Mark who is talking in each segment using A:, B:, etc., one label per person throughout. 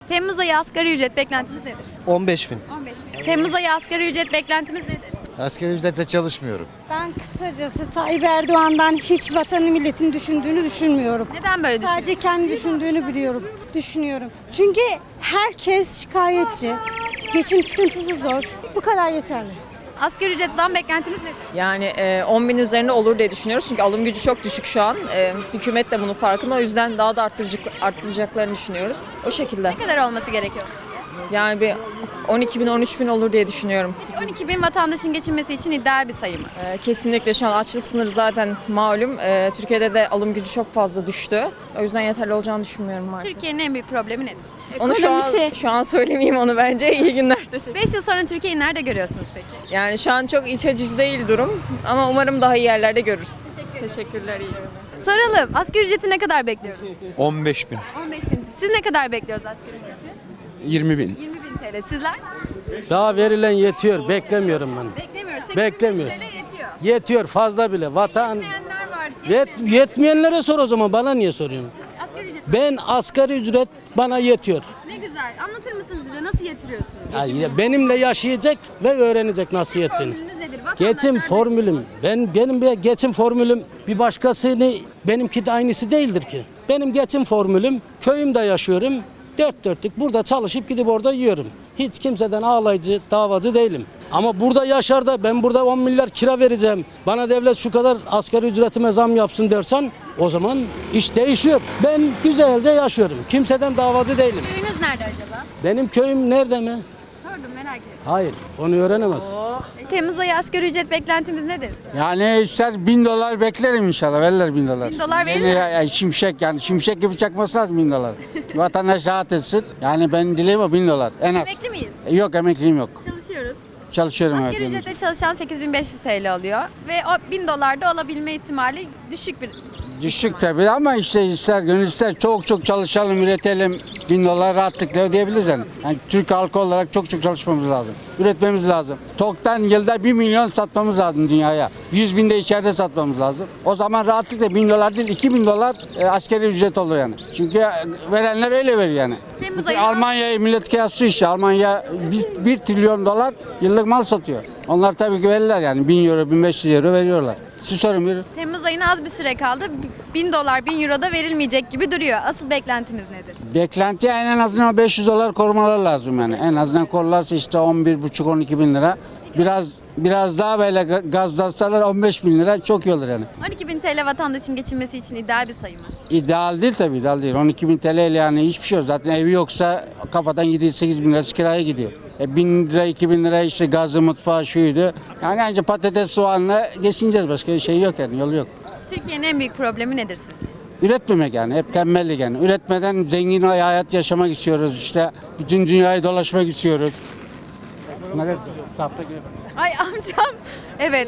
A: Temmuz ayı asgari ücret beklentimiz nedir?
B: 15 bin.
A: 15 bin. Temmuz ayı asgari ücret beklentimiz nedir?
B: Asgari ücretle çalışmıyorum.
C: Ben kısacası Tayyip Erdoğan'dan hiç vatanı milletin düşündüğünü düşünmüyorum.
A: Neden böyle düşünüyorsunuz?
C: Sadece kendi düşündüğünü düşünüyorum. Çünkü herkes şikayetçi. Geçim sıkıntısı zor. Bu kadar yeterli.
A: Asgari ücret zam beklentimiz nedir?
D: Yani 10 bin üzerinde olur diye düşünüyoruz. Çünkü alım gücü çok düşük şu an. Hükümet de bunun farkında. O yüzden daha da arttıracaklarını düşünüyoruz. O şekilde.
A: Ne kadar olması gerekiyor sizce?
D: Yani bir 12 bin 13 bin olur diye düşünüyorum.
A: 12 bin vatandaşın geçinmesi için ideal bir sayı mı?
D: Kesinlikle şu an açlık sınırı zaten malum. Türkiye'de de alım gücü çok fazla düştü. O yüzden yeterli olacağını düşünmüyorum maalesef.
A: Türkiye'nin en büyük problemi nedir?
D: Onu şu an söylemeyeyim onu bence. İyi günler. Teşekkür.
A: 5 yıl sonra Türkiye'yi nerede görüyorsunuz peki?
D: Yani şu an çok iç açıcı değil durum. Ama umarım daha iyi yerlerde görürüz. Teşekkürler. İyi günler.
A: Soralım. Asgari ücreti ne kadar bekliyoruz?
E: 15 bin.
A: 15 bin. Siz ne kadar bekliyoruz asgari ücreti?
E: 20 bin.
A: 20 bin TL. Sizler?
F: Daha verilen yetiyor. Beklemiyorum ben.
A: Beklemiyoruz. 8
F: Beklemiyor.
A: TL yetiyor.
F: Yetiyor fazla bile. Vatan
A: Yetmeyenler var.
F: yetmeyenlere sor o zaman. Bana niye soruyorsun?
A: Asgari ücret
F: Ben asgari ücret bana yetiyor.
A: ne güzel. Anlatır mısınız bize nasıl yatırıyorsunuz?
F: Ya benimle yaşayacak ve öğrenecek nasıl yettiğini.
A: Formülünüz nedir?
F: Geçim
A: Vatandaşlar
F: formülüm. Benim bir geçim formülüm bir başkasını benimki de aynısı değildir ki. Benim geçim formülüm köyümde yaşıyorum. Dört dörtlük burada çalışıp gidip orada yiyorum. Hiç kimseden ağlayıcı, davacı değilim. Ama burada yaşar da ben burada 10 milyar kira vereceğim. Bana devlet şu kadar asgari ücretime zam yapsın dersen o zaman iş değişiyor. Ben güzelce yaşıyorum. Kimseden davacı değilim.
A: Köyünüz nerede acaba?
F: Benim köyüm nerede mi?
A: Sordum merak ettim.
F: Hayır, onu öğrenemez.
A: Temmuz ayı asgari ücret beklentimiz nedir?
G: Yani ister $1000 beklerim inşallah. Verirler $1000.
A: 1000 dolar verirler.
G: Yani şimşek yani şimşek gibi çakması lazım $1000. Vatandaş rahat etsin. Yani ben dileğim o $1000 en az.
A: Emekli miyiz?
G: Yok emekliyim yok.
A: Çalışıyoruz.
G: Çalışıyorum
A: Asgari
G: evet.
A: ücretle çalışan 8500 TL alıyor ve o 1000 dolar da olabilme ihtimali düşük bir.
G: Düşük tabii ama işte ister gönül ister çok çalışalım, üretelim. $1000 rahatlıkla ödeyebiliriz yani. Yani Türk halkı olarak çok çalışmamız lazım. Üretmemiz lazım. TOK'tan yılda 1 milyon satmamız lazım dünyaya. 100 bin de içeride satmamız lazım. O zaman rahatlıkla $1000 değil $2000 askeri ücret olur yani. Çünkü verenler öyle veriyor yani.
A: Temmuz ayı
G: Almanya'yı millet kıyaslıyor işte. Almanya 1 trilyon dolar yıllık mal satıyor. Onlar tabii ki verirler yani 1000 euro 1500 euro veriyorlar. Siz sorun buyurun.
A: Temmuz ayına az bir süre kaldı. 1000 dolar 1000 euro da verilmeyecek gibi duruyor. Asıl beklentimiz nedir?
G: Beklenti en azından $500 korumalar lazım yani. En azından korlarsa işte 11,5-12 bin lira. Biraz daha böyle gazlasalar 15 bin lira çok iyi olur yani.
A: 12 bin TL vatandaşın geçinmesi için ideal bir sayı mı?
G: İdeal değil tabii ideal değil. 12 bin TL ile yani hiçbir şey yok. Zaten evi yoksa kafadan 7-8 bin lirası kiraya gidiyor. 1000 lira 2000 lira işte gazı mutfağı şuydu. Yani ancak patates soğanla geçineceğiz başka bir şey yok yani yolu yok.
A: Türkiye'nin en büyük problemi nedir sizce?
G: Üretmemek yani hep tembellik yani. Üretmeden zengin hayat yaşamak istiyoruz işte. Bütün dünyayı dolaşmak istiyoruz. Bunları sahte gibi.
A: Ay amcam. Evet.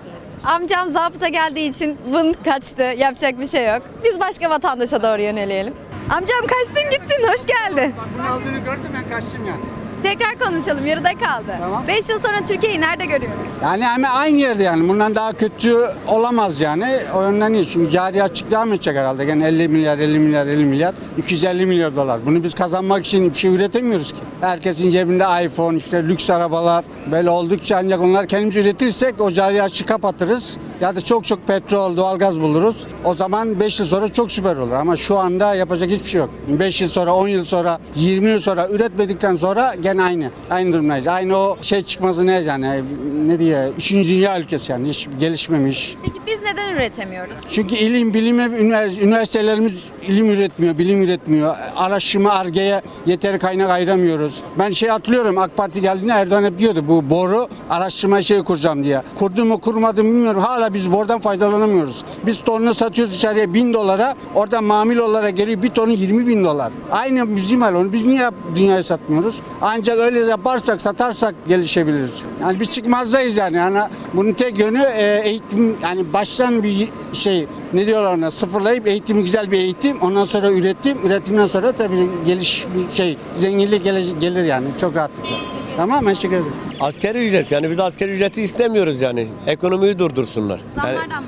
A: Amcam zabıta geldiği için vın kaçtı. Yapacak bir şey yok. Biz başka vatandaşa doğru yöneleyelim. Amcam kaçtın gittin. Hoş geldin.
G: Bunun aldığını gördüm ben kaçtım yani.
A: Tekrar konuşalım. Yarıda kaldı.
G: Tamam.
A: 5 yıl sonra Türkiye'yi nerede görüyoruz?
G: Yani hemen aynı yerde yani. Bundan daha kötü olamaz yani. O yönden iyi. Çünkü cari açık devam edecek herhalde. Yani 50 milyar, 250 milyar dolar. Bunu biz kazanmak için bir şey üretemiyoruz ki. Herkesin cebinde iPhone, işte lüks arabalar. Böyle oldukça ancak onlar kendimiz üretirsek o cari açığı kapatırız. Ya da çok petrol, doğalgaz buluruz. O zaman 5 yıl sonra çok süper olur. Ama şu anda yapacak hiçbir şey yok. 5 yıl sonra, 10 yıl sonra, 20 yıl sonra üretmedikten sonra gene aynı. Aynı durumdayız. Aynı o şey çıkması ne yani? Ne diye? 3. dünya ülkesi yani. Hiç gelişmemiş.
A: Peki biz neden üretemiyoruz?
G: Çünkü üniversitelerimiz ilim üretmiyor, bilim üretmiyor. Araştırma, Ar-Ge'ye yeteri kaynak ayıramıyoruz. Ben hatırlıyorum AK Parti geldiğinde Erdoğan hep diyordu bu boru araştırma kuracağım diye. Kurdu mu kurmadı mı bilmiyorum. Hala biz borudan faydalanamıyoruz. Biz tonunu satıyoruz dışarıya $1000. Oradan mamul olarak geliyor bir tonu $20.000. Aynı bizim hal onu. Biz niye dünyaya satmıyoruz? Ancak öyle yaparsak, satarsak gelişebiliriz. Yani biz çıkmazdayız yani. Yani bunun tek yönü eğitim yani baştan bir ne diyorlar ona sıfırlayıp eğitimi güzel bir eğitim ondan sonra üretimden sonra tabii zenginlik gelir yani çok rahatlıkla. Tamam mı? Teşekkür ederim.
H: Asgari ücret yani biz asgari ücreti istemiyoruz yani. Ekonomiyi durdursunlar. Yani
A: Zamlardan bahsediyoruz.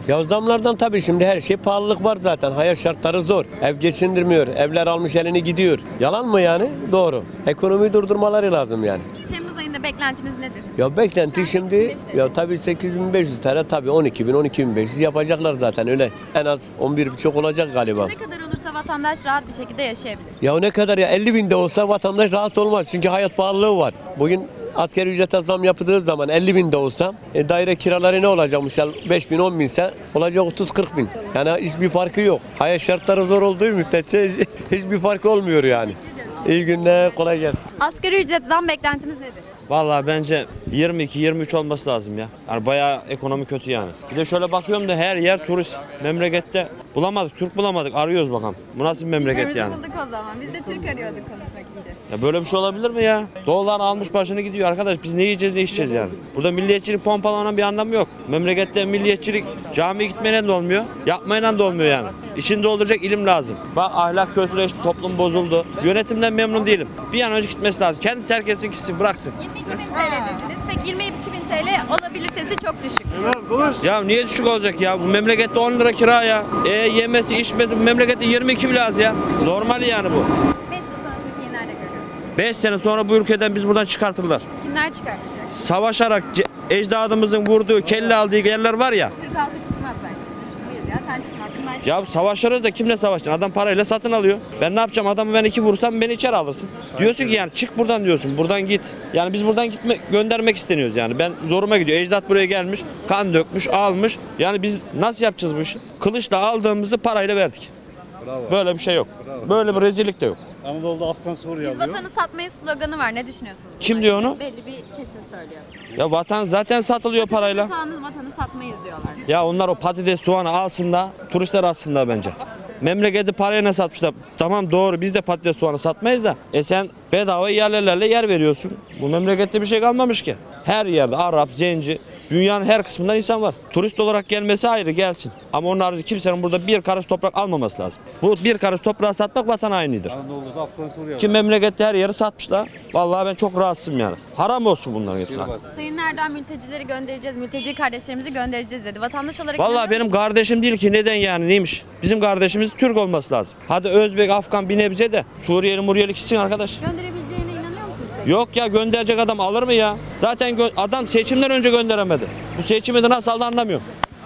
H: Ya zamlardan tabii şimdi her şey pahalılık var zaten. Hayat şartları zor. Ev geçindirmiyor. Evler almış elini gidiyor. Yalan mı yani? Doğru. Ekonomiyi durdurmaları lazım yani.
A: Temmuz ayında beklentimiz nedir?
H: Ya beklenti
A: Sen
H: şimdi
A: 85
H: ya tabii 8.500 TL tabii 12.000 yapacaklar zaten öyle. En az 11.5 olacak galiba.
A: Ne kadar olursa vatandaş rahat bir şekilde yaşayabilir.
H: Ya ne kadar ya 50.000 de olsa vatandaş rahat olmaz. Çünkü hayat pahalılığı var. Bugün asgari ücrete zam yapıldığı zaman 50.000 de olsa daire kiraları ne olacakmış? 5.000 10.000 ise olacak 30-40.000. Yani hiçbir farkı yok. Hayat şartları zor olduğu müddetçe hiçbir farkı olmuyor yani. İyi günler, kolay gelsin.
A: Asgari ücret zam beklentimiz nedir?
I: Vallahi bence 22-23 olması lazım ya. Yani bayağı ekonomi kötü yani. Bir de şöyle bakıyorum da her yer turist. Memlekette bulamadık, Türk bulamadık. Arıyoruz bakalım. Bu nasıl bir memleket yani?
A: bulduk o zaman. Biz de Türk arıyorduk konuşmak için.
I: Ya böyle bir şey olabilir mi ya? Dolar almış başını gidiyor arkadaş. Biz ne yiyeceğiz ne içeceğiz yani? Burada milliyetçilik pompalanan bir anlamı yok. Memlekette milliyetçilik camiye gitmeyle de olmuyor. Yapmayla da olmuyor yani. İçini dolduracak ilim lazım. Bak ahlak kötüleşti, toplum bozuldu. Yönetimden memnun değilim. Bir an önce gitmesi lazım. Kendi terk etsin gitsin bıraksın.
A: 22.000 TL dediniz. Peki 22.000 TL olabilitesi çok düşük.
I: Ya niye düşük olacak ya? Bu memlekette 10 lira kira ya. Yemesi içmesi bu memlekette 22 bile az ya. Normal yani bu.
A: 5 yıl sonra Türkiye'yi nerede görüyoruz?
I: 5 sene sonra bu ülkeden biz buradan çıkartırlar.
A: Kimler çıkartacak?
I: Savaşarak ecdadımızın vurduğu, kelle aldığı yerler var ya.
A: Türk halkı çıkmaz belki. Çıkmayız ya. Sen çıkmazsın ben çıkmam.
I: Ya savaşırız da kimle savaşacaksın? Adam parayla satın alıyor. Ben ne yapacağım? Adamı ben 2 vursam beni içeri alırsın. Diyorsun ki yani çık buradan diyorsun. Buradan git. Yani biz buradan göndermek isteniyoruz yani. Ben zoruma gidiyor. Ecdat buraya gelmiş, kan dökmüş, almış. Yani biz nasıl yapacağız bu işi? Kılıçla aldığımızı parayla verdik. Böyle bir şey yok. Böyle bir rezillik de yok.
J: Anadolu'da Afgan Suriye
A: Biz vatanı satmayız sloganı var. Ne düşünüyorsunuz?
I: Kim diyor onu?
A: Belli bir kesim söylüyor.
I: Ya vatan zaten satılıyor parayla.
A: Soğanı vatanı satmayız diyorlar.
I: Ya onlar o patates soğanı alsın da turistler alsın da bence. Memleketi paraya ne satmışlar? Tamam doğru biz de patates soğanı satmayız da. Sen bedava yerlerle yer veriyorsun. Bu memlekette bir şey kalmamış ki. Her yerde Arap, Zenci, dünyanın her kısmından insan var. Turist olarak gelmesi ayrı gelsin. Ama onun harici kimsenin burada bir karış toprak almaması lazım. Bu bir karış toprağı satmak vatan hainidir.
J: Anadolu'da Afgan Suriye
I: Ki memlekette her yeri satmışlar. Vallahi ben çok rahatsızım yani. Haram olsun bunların hepsi.
A: Sayın Erdoğan mültecileri göndereceğiz, mülteci kardeşlerimizi göndereceğiz dedi. Vatandaş olarak
I: Vallahi
A: inanıyor
I: benim kardeşim değil ki neden yani neymiş? Bizim kardeşimiz Türk olması lazım. Hadi Özbek, Afgan bir nebze de Suriyeli, Muriyeli gitsin arkadaş.
A: musunuz? Gönderebileceğine inanıyor musunuz peki?
I: Yok ya gönderecek adam alır mı ya? Zaten adam seçimden önce gönderemedi. Bu seçimi de nasıl aldı anlamıyorum.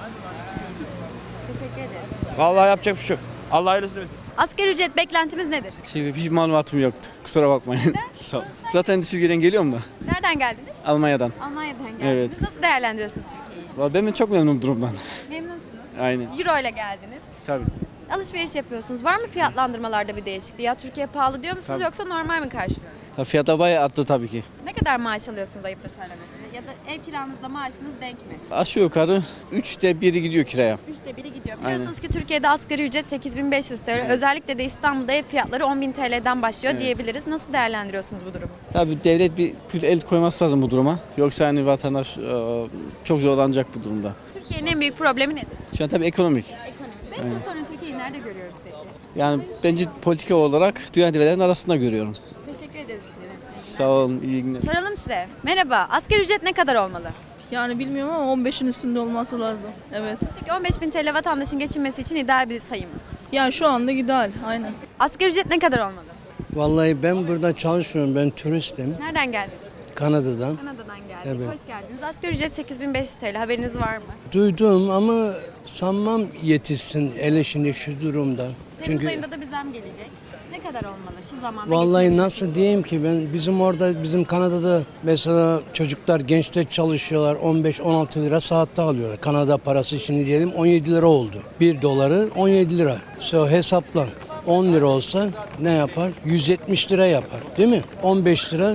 A: Teşekkür ederiz.
I: Vallahi yapacak bir şey yok. Allah hayırlısını versin.
A: Asgari ücret beklentimiz nedir?
J: Hiç malumatım yoktu. Kusura bakmayın. Sağ ol. Zaten Türkiye'den geliyorum da.
A: Nereden geldiniz?
J: Almanya'dan.
A: Almanya'dan geldiniz.
J: Evet.
A: Nasıl değerlendiriyorsunuz Türkiye'yi?
J: Ben çok memnunum durumdan.
A: Memnunsunuz.
J: Aynen.
A: Euro ile geldiniz.
J: Tabii.
A: Alışveriş yapıyorsunuz. Var mı fiyatlandırmalarda bir değişikliği? Ya Türkiye pahalı diyor musunuz
J: Tabii.
A: yoksa normal mi karşılıyorsunuz?
J: Fiyata bayağı arttı tabii ki.
A: Ne kadar maaş alıyorsunuz ayıptır söylemesi? Ya da ev kiranızla maaşınız denk mi?
J: Aşağı yukarı 3'te 1'i gidiyor kiraya.
A: 3'te 1'i gidiyor. Biliyorsunuz ki Türkiye'de asgari ücret 8.500 TL. Özellikle de İstanbul'da ev fiyatları 10.000 TL'den başlıyor diyebiliriz. Nasıl değerlendiriyorsunuz bu durumu?
J: Tabii devlet bir el koyması lazım bu duruma. Yoksa hani vatandaş çok zorlanacak bu durumda.
A: Türkiye'nin en büyük problemi nedir?
J: Şu an tabii ekonomik.
A: Ekonomi. 5 yıl sonra Türkiye'yi nerede görüyoruz peki?
J: Yani bence politika olarak dünya devletlerinin arasında görüyorum.
A: Teşekkür ederiz.
J: Sağ olun, iyi günler.
A: Soralım size. Merhaba. Asgari ücret ne kadar olmalı?
K: Yani bilmiyorum ama 15'in üstünde olması lazım. Evet.
A: Peki 15.000 TL vatandaşın geçinmesi için ideal bir sayı mı?
K: Yani şu anda ideal. Aynen.
A: Asgari ücret ne kadar olmalı?
F: Vallahi ben burada çalışmıyorum. Ben turistim.
A: Nereden geldiniz?
F: Kanada'dan.
A: Kanada'dan geldik.
F: Evet.
A: Hoş geldiniz. Asgari ücret 8.500 TL. Haberiniz var mı?
F: Duydum ama sanmam yetişsin hele şimdi şu durumda.
A: Temmuz
F: Çünkü
A: ayında da bir zam gelecek. Ne kadar olmalı şu zamanda?
F: vallahi
A: geçinmek
F: nasıl
A: için?
F: diyeyim ki ben bizim Kanada'da mesela çocuklar gençler çalışıyorlar 15-16 lira saatte alıyorlar. Kanada parası şimdi diyelim 17 lira oldu. 1 doları 17 lira. Hesaplan. 10 lira olsa ne yapar? 170 lira yapar değil mi? 15 lira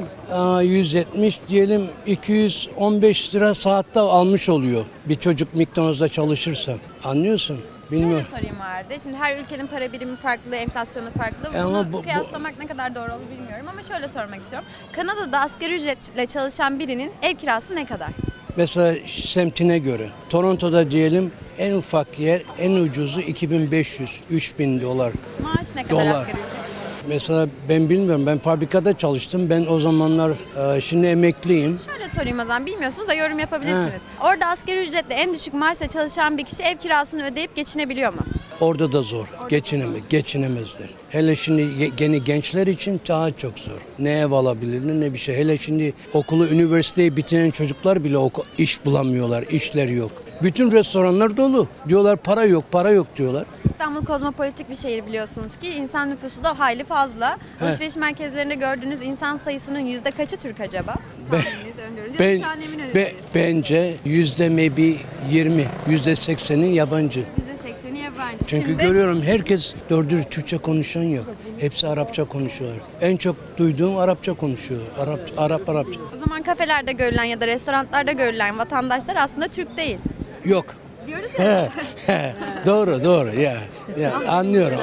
F: 170 diyelim 215 lira saatte almış oluyor. Bir çocuk McDonald's'da çalışırsa. Anlıyorsun? Bilmiyorum.
A: Şöyle sorayım o halde. Şimdi her ülkenin para birimi farklı, enflasyonu farklı.
F: Ama
A: Bunu
F: bu-
A: kıyaslamak ne kadar doğru olur bilmiyorum ama şöyle sormak istiyorum. Kanada'da asgari ücretle çalışan birinin ev kirası ne kadar?
F: Mesela semtine göre. Toronto'da diyelim en ufak yer en ucuzu 2500-3000 dolar.
A: Maaş ne kadar
F: Dolar.
A: asgari ücret?
F: Mesela ben bilmiyorum, ben fabrikada çalıştım. Ben o zamanlar şimdi emekliyim.
A: Şöyle sorayım o zaman, bilmiyorsunuz da yorum yapabilirsiniz. Orada asgari ücretle en düşük maaşla çalışan bir kişi ev kirasını ödeyip geçinebiliyor mu?
F: Orada da zor. Geçinemezler. Hele şimdi yeni gençler için daha çok zor. Ne ev alabilirler ne bir şey. Hele şimdi okulu, üniversiteyi bitiren çocuklar bile iş bulamıyorlar. İşler yok. Bütün restoranlar dolu. Diyorlar para yok diyorlar.
A: İstanbul kozmopolitik bir şehir biliyorsunuz ki, insan nüfusu da hayli fazla. Alışveriş merkezlerinde gördüğünüz insan sayısının yüzde kaçı Türk acaba? Tahmininizi öngörünüz. Ya da şu an emin misiniz?
F: Bence maybe 20, %80'i yabancı.
A: %80'i yabancı.
F: Çünkü
A: Şimdi
F: görüyorum herkes doğru dürüst Türkçe konuşan yok. Hepsi Arapça konuşuyorlar. En çok duyduğum Arapça konuşuyor. Arapça.
A: o zaman kafelerde görülen ya da restoranlarda görülen vatandaşlar aslında Türk değil.
F: Yok.
A: Diyoruz ya.
F: Doğru ya anlıyorum.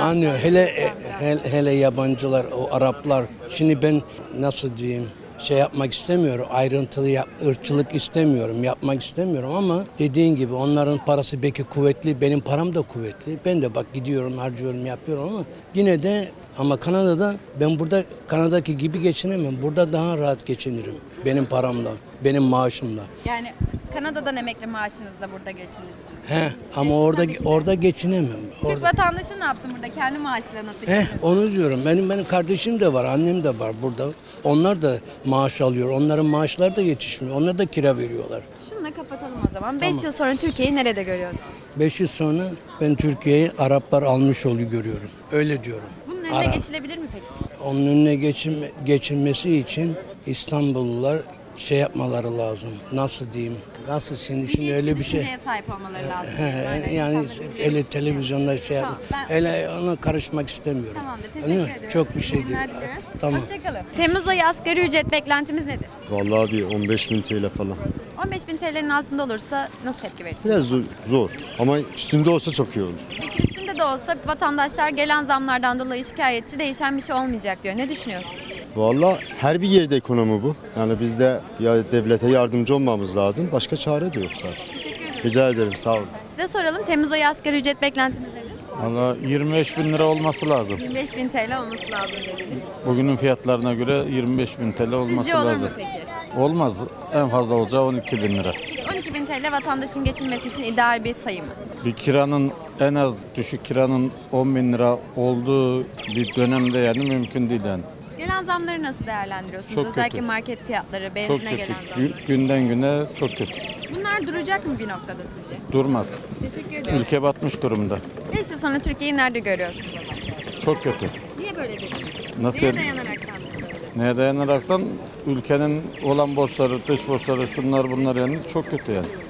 F: Hele yabancılar, o Araplar. Şimdi ben nasıl diyeyim, yapmak istemiyorum. Ayrıntılı ırkçılık istemiyorum. Yapmak istemiyorum ama dediğin gibi onların parası belki kuvvetli, benim param da kuvvetli. Ben de bak gidiyorum, harcıyorum, yapıyorum ama yine de Kanada'da ben burada Kanada'daki gibi geçinemem. Burada daha rahat geçinirim. Benim paramla, benim maaşımla.
A: Yani Kanada'dan emekli maaşınızla burada geçinirsiniz.
F: Ama orada geçinemem.
A: Türk vatandaşı ne yapsın burada? Kendi maaşıyla nasıl geçinir?
F: Onu diyorum. Benim kardeşim de var, annem de var burada. Onlar da maaş alıyor. Onların maaşları da yetişmiyor. Onlar da kira veriyorlar.
A: Şununla kapatalım o zaman. 5 yıl sonra Türkiye'yi nerede görüyorsun?
F: 5 yıl sonra ben Türkiye'yi Araplar almış oluyor görüyorum. Öyle diyorum.
A: Bunun önüne geçilebilir mi peki?
F: Onun önüne geçilmesi için İstanbullular yapmaları lazım. Nasıl diyeyim? Nasıl şimdi öyle bir şey.
A: Düşünceye sahip olmaları lazım.
F: Yani
A: insanların
F: öyle
A: bildiği
F: televizyonda
A: Tamam, ben-
F: öyle ona karışmak istemiyorum.
A: Tamamdır. Teşekkür
F: Anladın mı?
A: ediyorum.
F: Çok bir şey
A: İyi
F: değil.
A: günler diliyoruz.
F: Tamam.
A: Hoşçakalın. Temmuz ayı asgari ücret beklentimiz nedir?
B: Vallahi bir 15.000 TL falan.
A: 15.000 TL'nin altında olursa nasıl tepki verirsiniz?
B: Biraz zor ama üstünde olsa çok iyi olur.
A: Peki üstünde de olsa vatandaşlar gelen zamlardan dolayı şikayetçi, değişen bir şey olmayacak diyor. Ne düşünüyorsun?
B: Vallahi her bir yerde ekonomi bu. Yani biz de ya devlete yardımcı olmamız lazım. Başka çare de yok zaten.
A: Teşekkür ederim.
B: Rica ederim, sağ olun.
A: Size soralım, Temmuz ayı asgari ücret beklentimiz nedir?
J: Valla 25.000 lira olması lazım.
A: 25.000 TL olması lazım dediniz.
J: Bugünün fiyatlarına göre 25.000 TL olması
A: Sizce olur
J: lazım.
A: mu peki?
J: Olmaz. En fazla olacağı 12.000 lira.
A: Peki 12.000 TL vatandaşın geçinmesi için ideal bir sayı mı?
J: Bir kiranın en az düşük kiranın 10.000 lira olduğu bir dönemde yani mümkün değil yani.
A: Gelen zamları nasıl değerlendiriyorsunuz?
J: Çok
A: Özellikle
J: kötü.
A: market fiyatları,
J: Çok
A: benzine
J: kötü.
A: gelen zamlar.
J: Günden güne çok kötü.
A: Bunlar duracak mı bir noktada sizce?
J: Durmaz.
A: Teşekkür ediyorum.
J: Ülke batmış durumda.
A: 5 yıl sonra Türkiye'yi nerede görüyorsunuz o zaman?
J: Çok kötü.
A: Niye böyle dediniz?
J: Nasıl?
A: Neye dayanarak böyle?
J: Neye dayanaraktan ülkenin olan borçları, dış borçları, şunlar bunlar yani çok kötü yani.